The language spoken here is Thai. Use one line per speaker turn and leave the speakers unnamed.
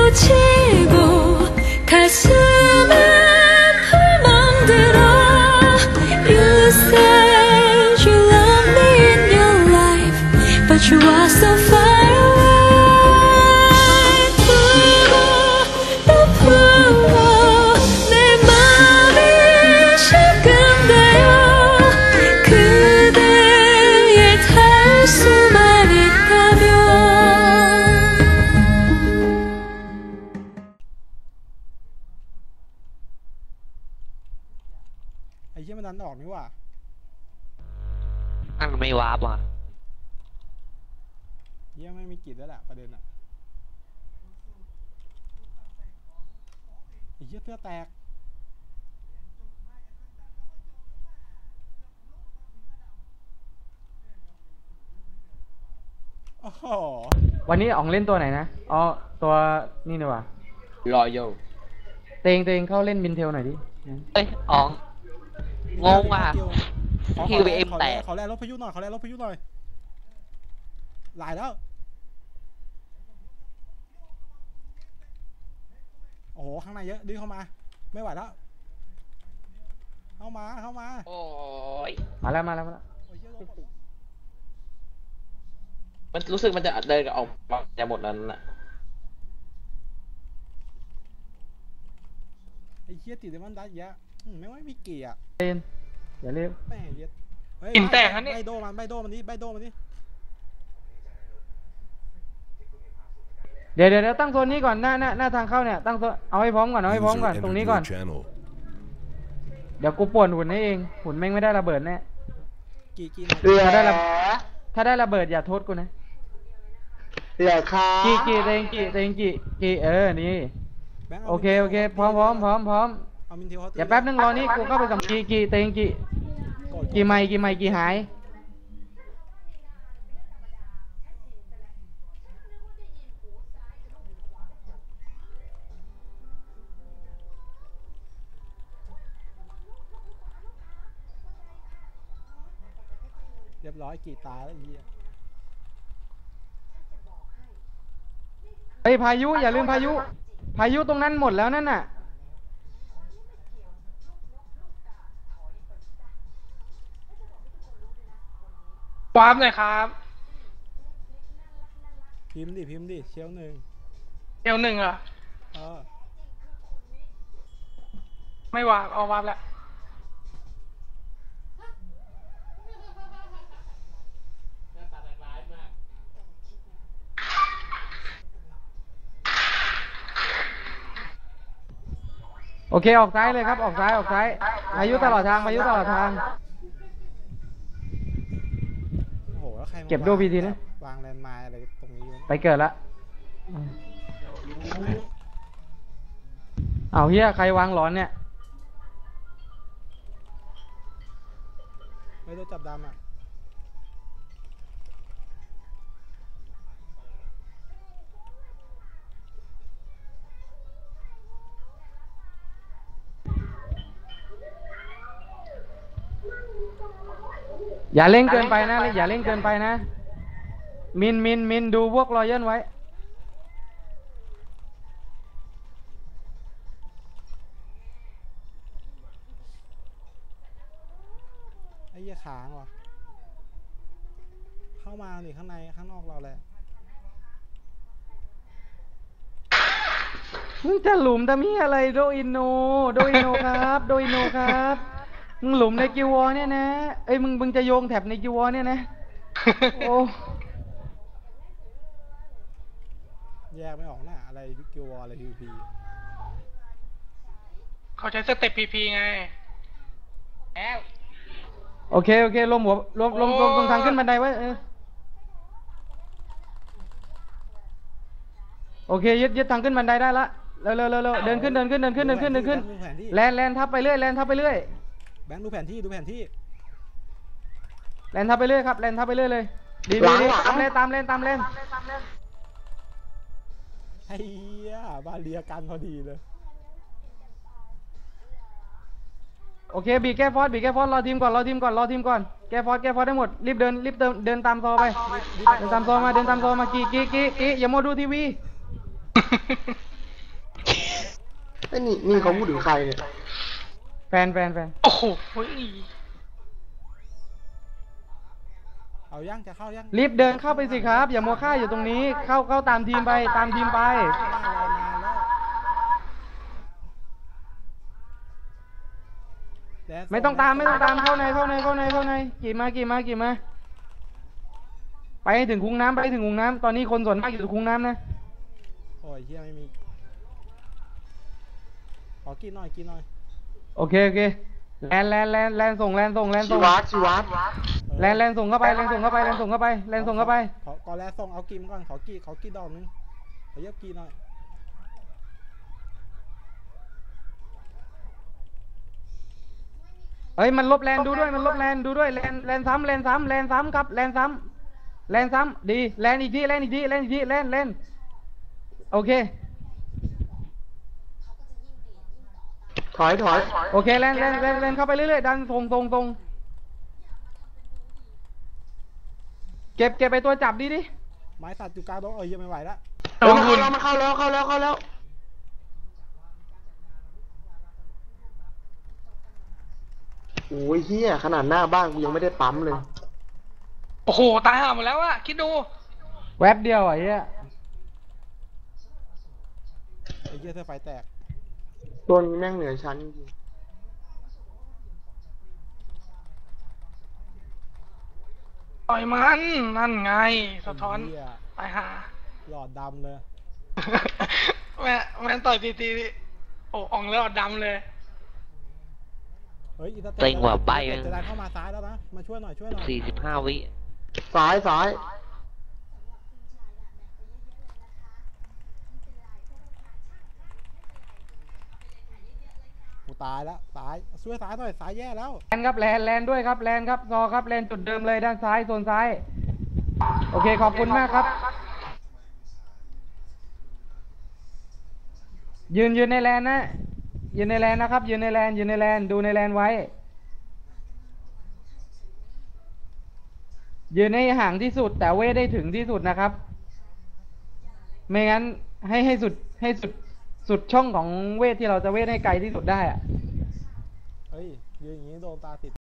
치고 가슴은 멍들어 You said you love me in your life But you are so far away 부어 또 부어 내 맘이 시큰대요 그대의 닿을 수만 있다면
ไอ้เหี้ยมันดันออกนี่ว่ะ
มันไม่วาร์ปอ่ะ
เหี้ยไม่มีกลิ่นแล้วแหละประเด็นอะไอ้เหี้ยเสื้อแตกโอ้โห
วันนี้อ๋องเล่นตัวไหนนะอ๋อตัวนี่นี่ว่ะ
รอโย
เตงเข้าเล่นบินเทลหน่อยดิ
เอ้ยอ๋องงงว่ะ
ขอ
QVM แตก
ขอแรงรถพายุหน่อยขอแรงรถพายุหน่อยหลายแล้วโอ้โหข้างในเยอะดึงเข้ามาไม่ไหวแล้วเข้ามา
โอ้ย
มาแล้ว
โอ้ยเหี้ยรถหมด
มันรู้สึกมันจะเดินกับออกมาจะหมดนั้นน่ะ
ไอ้เหี้ยติดเดมอนดัสเยอะไม่ว่ามีเกียร์
เล่นอย่าเล่น
แม่เหี้ยเฮ้ย
กลิ่นแตกฮะนี่
ใบโดมันนี่ใบโดมันนี่
เดี๋ยวตั้งโซนนี้ก่อนหน้าทางเข้าเนี่ยตั้งโซนเอาให้พร้อมก่อนตรงนี้ก่อนเดี๋ยวกูป่วนหุ่นให้เองหุ่นแม่งไม่ได้ระเบิดแน่
กี่
ถ้าได้ระเบิดอย่าโทษกูนะ
เหลือค่ะ
กี่เตงกี่นี่
แบงค์
โอเคพร้อม
เอามินเทลเขาตี
เดี๋ยวแป๊บนึงรอนี่กูเข้าไปกับกี่เตงกี่ไมค์กี่หาย
เรียบร้อยกี่ตายแล้วไอ้เหี้ย
เฮ้ยพายุอย่าลืมพายุตรงนั้นหมดแล้วนั่นน่ะ
วาร์ปหน่อยครับ
พิมพ์ดิเชลหนึ่ง
เอลหนึ่งเหรอ
เออ
ไม่วาร์ปเอาวาร์ปแล้ว
โอเคออกซ้ายเลยครับออกซ้ายพายุตลอดทาง
โอ้โหแล้วใครมา
เก็บโดบีทีนะ
วางแลนด์มาร์คอะไรตรงนี้วะ
ไปเกิดละเอาเฮียใครวางหลอนเนี่ย
ไม่ได้จับดำอ่ะ
อย่าเล่นเกินไปนะมินดูพวกรอยัลไว้
ไอ้เหี้ยค้างว่ะเข้ามาหนิข้างในข้างนอกเราแหละ
มึงจะหลุมทำเหี้ยอะไรโดอินโนครับมึงหลุมในกิววอเนี่ยนะเอ้ยมึงจะโยงแถบในกิววอเนี่ยนะโอ้
แยกไม่ออกหน้าอะไรกิววอลอะไรพีพี
เขาใช้สเต็ปพีพีไงแอล
โอเคลมตรงทางขึ้นบันไดไว้โอเคยึดทางขึ้นบันไดได้ละเร็วเดินขึ้นแลนทับไปเรื่อย
แบงค์ดูแผนที่แลน
ทับไปเรื่อยครับแลนทับไปเรื่อยเลยดีตามเลน
ไอ้เหี้ยบาเรียกันพอดีเลย
โอเคบีแก้ฟอสรอทีมก่อนแก้ฟอสได้หมดรีบเดินตามซอไป เดินตามซอมากี่อย่าโมวดูทีวี
แบงค์ดูแผนที่
โอเค โอเค ลมหัว ลมตรงทางขึ้นบันไดไว้ โอเค ยึดทางขึ้นบันไดได้ละเร็วเดินขึ้น
เ
ไอ้นี่เขาพูดถึงใครเนี่ย
แฟน
โอ้โหเฮ้ย
เอายังจะเข้ายัง
รีบเดินเข้าไปสิครับ อย่ามัวค่าอยู่ตรงนี้ เข้าตามทีมไปตามทีมไป
หน้ารอนานแล้ว
ไม่ต้องตามเข้าในกี่มาไปให้ถึงคุ้งน้ำตอนนี้คนส่วนมากอยู่คุ้งน้ำนะ
โอ้ยเฮียไม่มีขอกินหน่อย
โอเคแลนส่ง
ชีวัต
แลนส่งเข้าไป
ขอแลส่งเอากินก่อนขอกินดอกนึงขอเย็บกินหน่อย
เฮ้ยมันลบแลนดูด้วยแลนซ้ำครับแลนซ้ำดีแลนอีกทีแลนโอเค
ถอย
โอเคแลนเข้าไปเรื่อยๆดันตรงเก็บไปตัวจับดิ
ไม้ตัดอยู่กลางดงยังไม่ไหวแล้ว
มันเข้าแล้วโอ้ยเฮียขนาดหน้าบ้านกูยังไม่ได้ปั๊มเลย
โอ้โห ตายห่าหมดแล้วอะคิดดู
แวบเดียวไอ้เหี้ย
ไอ้เหี้ยเธอไฟแตก
ตัวนี้แม่งเหนือชั้นจริง
ต่อยมันนั่นไง สะท้อน
ไเหี้ย
ตายห่า
หลอดดำเลย
แม่ต่อยตีโอ้อ่องแล้วดำเลย
เฮ้ยอีตา
เต็งกว่าใบ
จะได้เข้ามาซ้ายแล้วนะมาช่วยหน่อย
45 วิ
ซ้าย
กูตายแล้วช่วยซ้ายหน่อยซ้ายแย่แล้ว
แลนครับแลนด้วยครับแลนครับซอครับแลนจุดเดิมเลยด้านซ้ายโซนซ้ายโอเคขอบคุณมากครับยืนในแลนนะยืนในแลนนะครับยืนในแลนดูในแลนไว้ยืนให้ห่างที่สุดแต่เวทได้ถึงที่สุดนะครับไม่งั้นให้สุดช่องของเวทที่เราจะเวทให้ไกลที่สุดได้อะ
เฮ้ยยืนอย่างนี้โดนตาติด